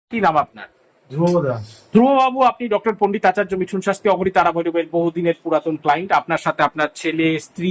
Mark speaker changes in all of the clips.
Speaker 1: কি নাম আপনার?
Speaker 2: ধ্রুব দাস।
Speaker 1: ধ্রুববাবু, আপনি ডক্টর পণ্ডিত আচার্য মিঠুন শাস্ত্রী অগণিত তারাভৈরবের বহুদিনের পুরাতন ক্লায়েন্ট। আপনার সাথে আপনার ছেলে, স্ত্রী,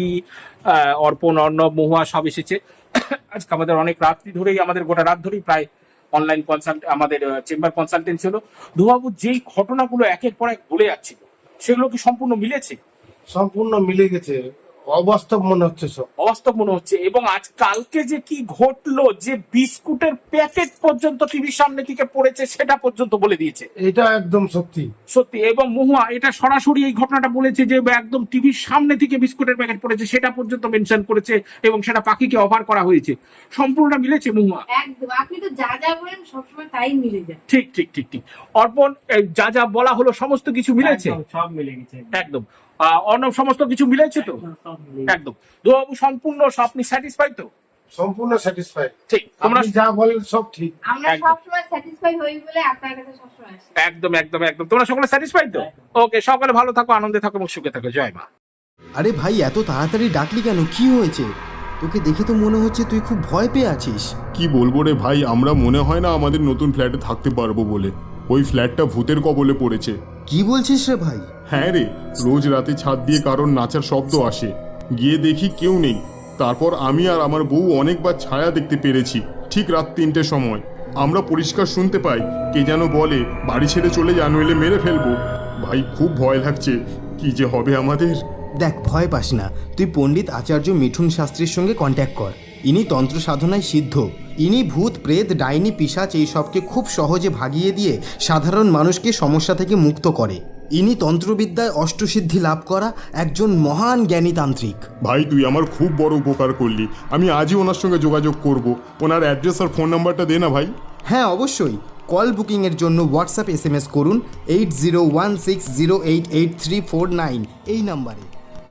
Speaker 1: অর্পণ, অর্ণব, মহুয়া সব এসেছে। আজকে আমাদের অনেক রাত্রি ধরেই, আমাদের গোটা রাত ধরেই প্রায় অনলাইন কনসাল্ট, আমাদের চেম্বার কনসালটেন্সি হলো। ধ্রুববাবু, যেই ঘটনাগুলো একের পর এক বলে যাচ্ছিল সেগুলো কি সম্পূর্ণ মিলেছে?
Speaker 2: সম্পূর্ণ মিলে গেছে, অবাস্তব মনে হচ্ছে সব।
Speaker 1: অবাস্তব মনে হচ্ছে। এবং আজ কালকে যে কি ঘটলো, যে বিস্কুটের প্যাকেট পর্যন্ত টিভির সামনে থেকে পড়েছে সেটা পর্যন্ত বলে দিয়েছে।
Speaker 2: এটা একদম সত্যি
Speaker 1: সত্যি। এবং মহুয়া এটা সরাসরি এই ঘটনাটা বলেছে যে একদম টিভির সামনে থেকে বিস্কুটের প্যাকেট পড়েছে সেটা পর্যন্ত মেনশন করেছে, এবং সেটা পাখিকে অফার করা হয়েছে। সম্পূর্ণটা মিলেছে মহুয়া?
Speaker 3: একদম, আপনি তো যা যা বলেন সবসময় তাই মিলে যায়।
Speaker 1: ঠিক ঠিক ঠিক ঠিক। অর্পণ, যা যা বলা হলো সমস্ত কিছু মিলেছে?
Speaker 4: সব মিলে গেছে
Speaker 1: একদম। অর্ণব, সমস্ত কিছু মিলেছে তো?
Speaker 4: সব মিলে
Speaker 1: একদম। ধ্রুববাবু, সম্পূর্ণ আপনি স্যাটিসফাইড তো?
Speaker 2: সম্পূর্ণ স্যাটিসফাইড।
Speaker 1: ঠিক। তোমরা
Speaker 2: আপনি যা বলেন সব ঠিক।
Speaker 3: আমরা
Speaker 1: একদম।
Speaker 3: সবসময় স্যাটিসফাই হই বলে আপনার কাছে সবসময় আসি।
Speaker 1: একদম একদম একদম। তোমরা সকলে স্যাটিসফাইড তো? ওকে, সকলে ভালো থাকো, আনন্দে থাকো এবং সুখে থাকো। জয় মা।
Speaker 5: আরে ভাই, এত তাড়াতাড়ি ডাকলি কেন? কি হয়েছে? তোকে দেখে তো মনে হচ্ছে তুই খুব ভয় পেয়ে আছিস।
Speaker 6: কি বলবো রে ভাই, আমরা মনে হয় না আমাদের নতুন ফ্ল্যাটে থাকতে পারবো বলে। ওই ফ্ল্যাটটা ভূতের কবলে পড়েছে।
Speaker 5: কি বলছিস রে ভাই?
Speaker 6: হ্যাঁ রে, রোজ রাতে ছাদ দিয়ে কারোর নাচার শব্দ আসে। গিয়ে দেখি কেউ নেই। তারপর আমি আর আমার বউ অনেকবার ছায়া দেখতে পেরেছি। ঠিক রাত 3টের সময় আমরা পরিষ্কার শুনতে পাই কে যেন বলে, বাড়ি ছেড়ে চলে যা, নইলে মেরে ফেলবো। ভাই খুব ভয় লাগছে, কি যে হবে আমাদের।
Speaker 5: দেখ, ভয় পাস না। তুই পণ্ডিত আচার্য মিঠুন শাস্ত্রীর সঙ্গে কন্ট্যাক্ট কর। ইনি তন্ত্র সাধনায় সিদ্ধ। ইনি ভূত, প্রেত, ডাইনি, পিশাচ এই সবকে খুব সহজে ভাগিয়ে দিয়ে সাধারণ মানুষকে সমস্যা থেকে মুক্ত করে। ইনি তন্ত্রবিদ্যায় অষ্টসিদ্ধি লাভ করা একজন মহান জ্ঞানী তান্ত্রিক।
Speaker 6: ভাই তুই আমার খুব বড় উপকার করলি। আমি আজই ওনার সঙ্গে যোগাযোগ করব। ওনার অ্যাড্রেস আর ফোন নাম্বারটা দে না ভাই।
Speaker 5: হ্যাঁ অবশ্যই। কল বুকিংয়ের জন্য হোয়াটসঅ্যাপ SMS করুন 8016088349 এই নাম্বারে।